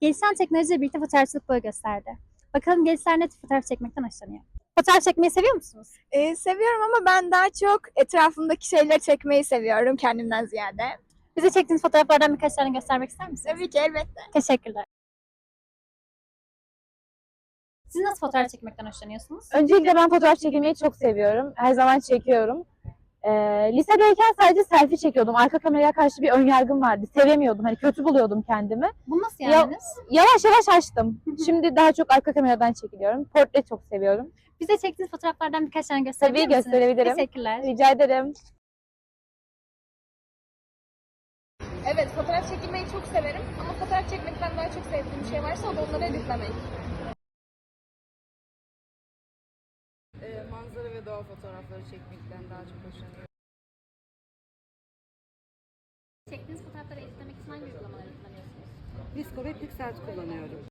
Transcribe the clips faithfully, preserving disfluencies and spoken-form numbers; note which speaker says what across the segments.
Speaker 1: Gelişen teknolojiyle birlikte fotoğrafçılık boy gösterdi. Bakalım gençler ne tür fotoğraf çekmekten hoşlanıyor? Fotoğraf çekmeyi seviyor musunuz?
Speaker 2: Ee, seviyorum ama ben daha çok etrafımdaki şeyleri çekmeyi seviyorum kendimden ziyade.
Speaker 1: Bize çektiğiniz fotoğraflardan birkaç tane göstermek ister misiniz?
Speaker 2: Tabii ki, elbette.
Speaker 1: Teşekkürler. Siz nasıl fotoğraf çekmekten hoşlanıyorsunuz?
Speaker 3: Öncelikle ben fotoğraf çekilmeyi çok seviyorum. Her zaman çekiyorum. Ee, lisedeyken sadece selfie çekiyordum. Arka kameraya karşı bir önyargım vardı. Sevemiyordum. Hani kötü buluyordum kendimi.
Speaker 1: Bunu nasıl
Speaker 3: Ya-
Speaker 1: yendiniz?
Speaker 3: Yavaş yavaş açtım. Şimdi daha çok arka kameradan çekiliyorum. Portre çok seviyorum.
Speaker 1: Bize çektiğiniz fotoğraflardan birkaç tane gösterebilir
Speaker 3: Tabii
Speaker 1: misiniz?
Speaker 3: gösterebilirim.
Speaker 1: Teşekkürler.
Speaker 3: Rica ederim.
Speaker 2: Evet, fotoğraf çekilmeyi çok severim ama fotoğraf çekmekten daha çok sevdiğim bir şey varsa o da onları editlemek.
Speaker 4: Ee, manzara ve doğa fotoğrafları çekmekten daha çok hoşlanıyorum.
Speaker 1: Çektiğiniz fotoğrafları editlemek için hangi uygulamaları kullanıyorsunuz?
Speaker 4: Visco ve Pixart kullanıyorum.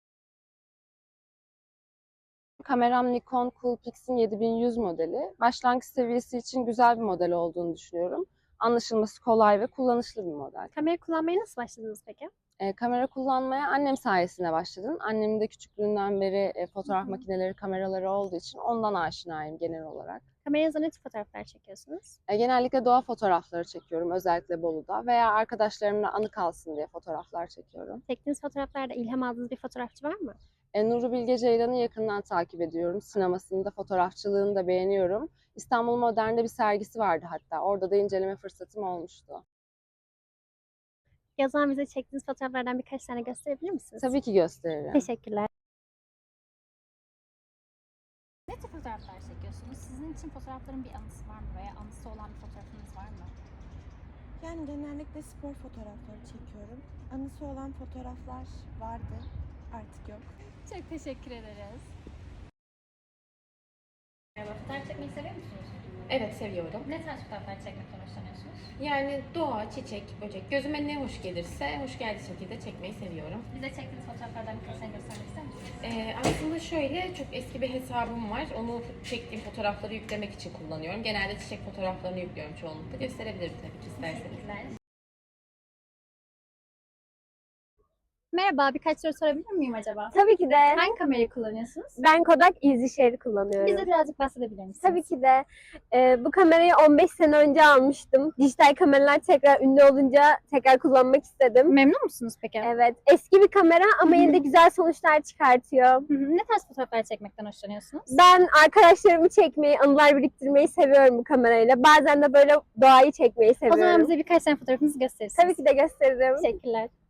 Speaker 5: Kameram Nikon Coolpix'in yedi bin yüz modeli. Başlangıç seviyesi için güzel bir model olduğunu düşünüyorum. Anlaşılması kolay ve kullanışlı bir model.
Speaker 1: Kamera kullanmaya nasıl başladınız peki?
Speaker 5: E, kamera kullanmaya annem sayesinde başladım. Annemin de küçüklüğünden beri e, fotoğraf makineleri, kameraları olduğu için ondan aşinayım genel olarak.
Speaker 1: Kameranızda ne tür fotoğraflar çekiyorsunuz?
Speaker 5: E, genellikle doğa fotoğrafları çekiyorum, özellikle Bolu'da veya arkadaşlarımla anı kalsın diye fotoğraflar çekiyorum.
Speaker 1: Çektiğiniz fotoğraflarda ilham aldığınız bir fotoğrafçı var mı?
Speaker 5: E, Nuri Bilge Ceylan'ı yakından takip ediyorum. Sinemasını da, fotoğrafçılığını da beğeniyorum. İstanbul Modern'de bir sergisi vardı hatta. Orada da inceleme fırsatım olmuştu.
Speaker 1: Yazan bize çektiğiniz fotoğraflardan birkaç tane gösterebilir misiniz?
Speaker 5: Tabii ki gösteririm.
Speaker 1: Teşekkürler. Ne tür fotoğraflar çekiyorsunuz? Sizin için fotoğrafların bir anısı var mı veya anısı olan bir fotoğrafınız var mı?
Speaker 6: Yani genellikle spor fotoğrafları çekiyorum. Anısı olan fotoğraflar vardı, artık yok.
Speaker 1: Çok teşekkür ederiz. Merhaba, fotoğraf çekmeyi seviyor musunuz?
Speaker 7: Evet, seviyorum.
Speaker 1: Ne tarz fotoğraflar çekmekten hoşlanıyorsunuz?
Speaker 7: Yani doğa, çiçek, böcek, gözüme ne hoş gelirse hoş geldiği şekilde çekmeyi seviyorum.
Speaker 1: Bize çektiğiniz fotoğraflardan birkaç tane göstermek ister misiniz?
Speaker 7: Ee, aslında şöyle çok eski bir hesabım var. Onu çektiğim fotoğrafları yüklemek için kullanıyorum. Genelde çiçek fotoğraflarını yüklüyorum çoğunlukla. Gösterebilirim tabii ki isterseniz.
Speaker 1: Teşekkürler. Merhaba, birkaç soru sorabilir miyim acaba?
Speaker 8: Tabii ki de.
Speaker 1: Hangi kamerayı kullanıyorsunuz?
Speaker 8: Ben Kodak EasyShare kullanıyorum.
Speaker 1: Bize birazcık bahsedebilir misiniz?
Speaker 8: Tabii ki de. Ee, bu kamerayı on beş sene önce almıştım. Dijital kameralar tekrar ünlü olunca tekrar kullanmak istedim.
Speaker 1: Memnun musunuz peki?
Speaker 8: Evet. Eski bir kamera ama yine de güzel sonuçlar çıkartıyor.
Speaker 1: Hı hı. Ne tarz fotoğraflar çekmekten hoşlanıyorsunuz?
Speaker 8: Ben arkadaşlarımı çekmeyi, anılar biriktirmeyi seviyorum bu kamerayla. Bazen de böyle doğayı çekmeyi
Speaker 1: O zaman
Speaker 8: seviyorum.
Speaker 1: bize birkaç tane fotoğrafınızı gösterirsiniz.
Speaker 8: Tabii ki de gösteririm.
Speaker 1: Teşekkürler.